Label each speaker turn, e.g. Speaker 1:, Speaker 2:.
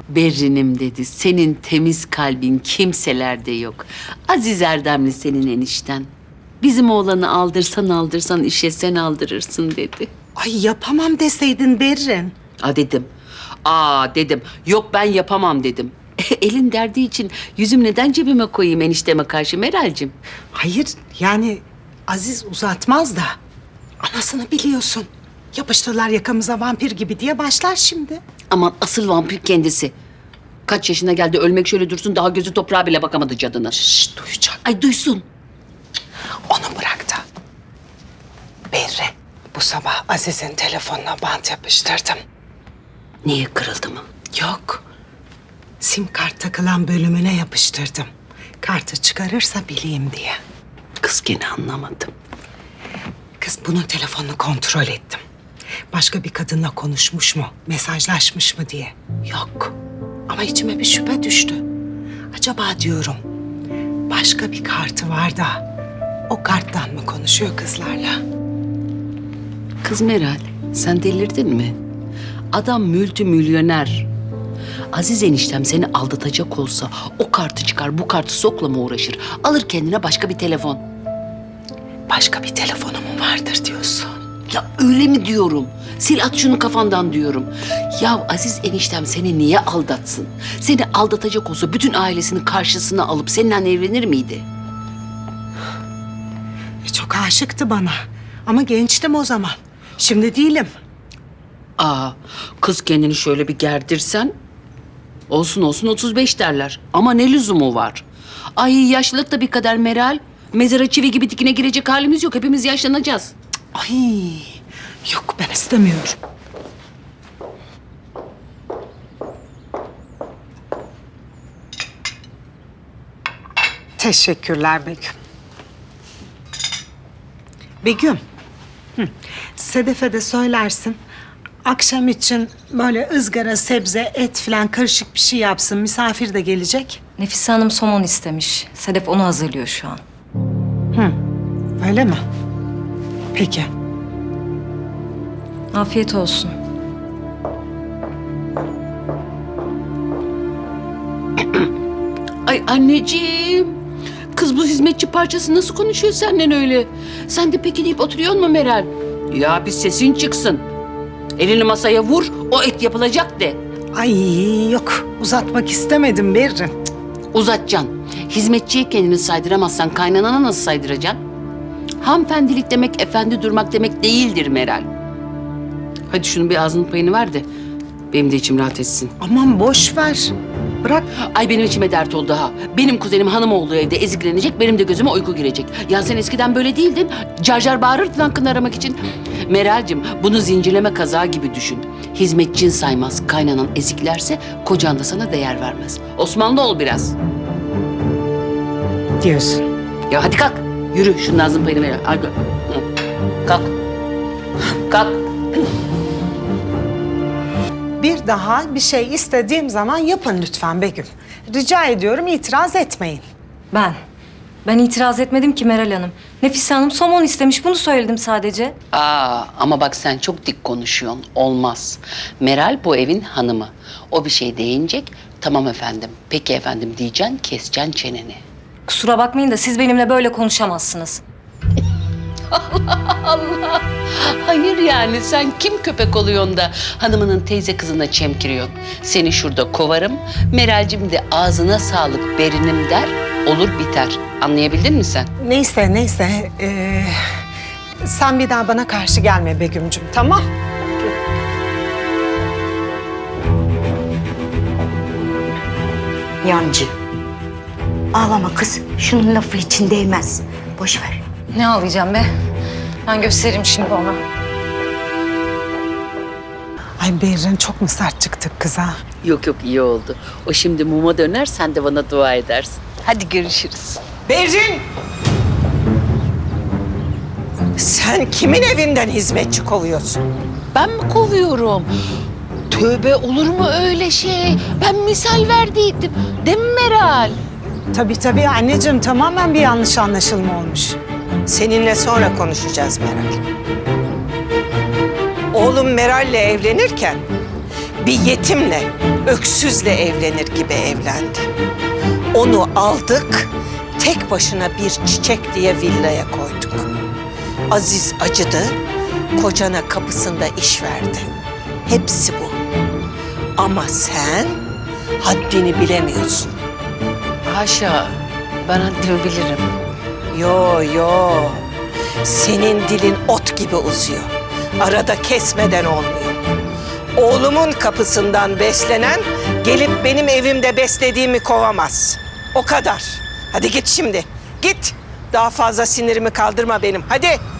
Speaker 1: Berrinim dedi. Senin temiz kalbin kimselerde yok. Aziz Erdemli senin enişten. Bizim oğlanı aldırsan işe sen aldırırsın dedi.
Speaker 2: Ay yapamam deseydin Berrin.
Speaker 1: Dedim. Dedim. Yok ben yapamam dedim. Elin derdi için yüzüm neden cebime koyayım enişteme karşı Meral'cim?
Speaker 2: Hayır yani Aziz uzatmaz da. Anasını biliyorsun. Yapıştırlar yakamıza vampir gibi diye başlar şimdi.
Speaker 1: Aman asıl vampir kendisi. Kaç yaşına geldi ölmek şöyle dursun daha gözü toprağa bile bakamadı cadına.
Speaker 2: Şşş duyacak.
Speaker 1: Ay duysun.
Speaker 2: Onu bırak da. Berrin, bu sabah Aziz'in telefonuna bant yapıştırdım.
Speaker 1: Niye kırıldı mı?
Speaker 2: Yok. Sim kart takılan bölümüne yapıştırdım. Kartı çıkarırsa bileyim diye.
Speaker 1: Kız gene anlamadım.
Speaker 2: Kız bunun telefonunu kontrol ettim. Başka bir kadınla konuşmuş mu, mesajlaşmış mı diye. Yok. Ama içime bir şüphe düştü. Acaba diyorum, başka bir kartı var da o karttan mı konuşuyor kızlarla?
Speaker 1: Kız Meral sen delirdin mi? Adam multimilyoner. Aziz eniştem seni aldatacak olsa o kartı çıkar bu kartı sokla mı uğraşır? Alır kendine başka bir telefon.
Speaker 2: Başka bir telefonu mu vardır diyorsun?
Speaker 1: Ya öyle mi diyorum? Sil at şunu kafandan diyorum. Ya Aziz eniştem seni niye aldatsın? Seni aldatacak olsa bütün ailesini karşısına alıp seninle evlenir miydi?
Speaker 2: Çok aşıktı bana. Ama gençtim o zaman. Şimdi değilim.
Speaker 1: Kız kendini şöyle bir gerdirsen olsun 35 derler. Ama ne lüzumu var? Ay yaşlılık da bir kader Meral. Mezara çivi gibi dikine girecek halimiz yok. Hepimiz yaşlanacağız.
Speaker 2: Ay, yok ben istemiyorum. Teşekkürler Begüm. Begüm, Sedef'e de söylersin. Akşam için böyle ızgara, sebze, et falan karışık bir şey yapsın. Misafir de gelecek.
Speaker 3: Nefise Hanım somon istemiş. Sedef onu hazırlıyor şu an.
Speaker 2: Öyle mi? Peki.
Speaker 3: Afiyet olsun.
Speaker 1: Ay anneciğim. Kız bu hizmetçi parçası nasıl konuşuyor senden öyle? Sen de peki deyip oturuyor mu Meral? Ya bir sesin çıksın. Elini masaya vur, o et yapılacak de.
Speaker 2: Ay yok, uzatmak istemedim Berrin.
Speaker 1: Uzatacaksın. Hizmetçiye kendini saydıramazsan kaynanana nasıl saydıracaksın? Hanımefendilik demek efendi durmak demek değildir Meral. Hadi şunun bir ağzının payını ver de benim de içim rahat etsin.
Speaker 2: Aman boş ver. Bırak.
Speaker 1: Ay benim içime dert oldu ha. Benim kuzenim hanım olduğu evde eziklenecek, benim de gözüme uyku girecek. Ya sen eskiden böyle değildin. Car car bağırırdın hakkını aramak için. Meral'cim bunu zincirleme kazağı gibi düşün. Hizmetçin saymaz, kaynanan eziklerse kocan da sana değer vermez. Osmanlı ol biraz.
Speaker 2: Diyorsun.
Speaker 1: Ya hadi kalk. Yürü şunun ağzının payını ver. Hadi. Hı. Kalk. Kalk.
Speaker 2: Bir daha bir şey istediğim zaman yapın lütfen Begüm. Rica ediyorum itiraz etmeyin.
Speaker 3: Ben itiraz etmedim ki Meral Hanım. Nefise Hanım somon istemiş, bunu söyledim sadece.
Speaker 1: Ama bak sen çok dik konuşuyorsun. Olmaz. Meral bu evin hanımı. O bir şey deyinecek. Tamam efendim. Peki efendim diyeceksin, keseceksin çeneni.
Speaker 3: Kusura bakmayın da siz benimle böyle konuşamazsınız.
Speaker 1: Allah! Hayır yani sen kim köpek oluyorsun da hanımının teyze kızına çemkiriyorsun? Seni şurada kovarım. Meral'cim de ağzına sağlık berinim der. Olur biter. Anlayabildin mi sen?
Speaker 2: Neyse. Sen bir daha bana karşı gelme Begüm'cüm, tamam?
Speaker 4: Yancı. Ağlama kız. Şunun lafı için değmez. Boş ver.
Speaker 3: Ne ağlayacağım be? Ben gösteririm şimdi ona.
Speaker 2: Ay Berrin çok mu sert çıktık kıza?
Speaker 1: Yok iyi oldu. O şimdi muma döner sen de bana dua edersin. Hadi görüşürüz.
Speaker 2: Berrin! Sen kimin evinden hizmetçi kovuyorsun?
Speaker 1: Ben mi kovuyorum? Tövbe olur mu öyle şey? Ben misal verdiydim. Değil mi Meral?
Speaker 2: Tabii anneciğim, tamamen bir yanlış anlaşılma olmuş.
Speaker 5: Seninle sonra konuşacağız Meral. Oğlum Meral'le evlenirken bir yetimle öksüzle evlenir gibi evlendi. Onu aldık, tek başına bir çiçek diye villaya koyduk. Aziz acıdı, kocana kapısında iş verdi. Hepsi bu. Ama sen haddini bilemiyorsun.
Speaker 1: Haşa, ben haddimi bilirim.
Speaker 5: Yo. Senin dilin ot gibi uzuyor. Arada kesmeden olmuyor. Oğlumun kapısından beslenen gelip benim evimde beslediğimi kovamaz. O kadar. Hadi git şimdi. Git. Daha fazla sinirimi kaldırma benim. Hadi.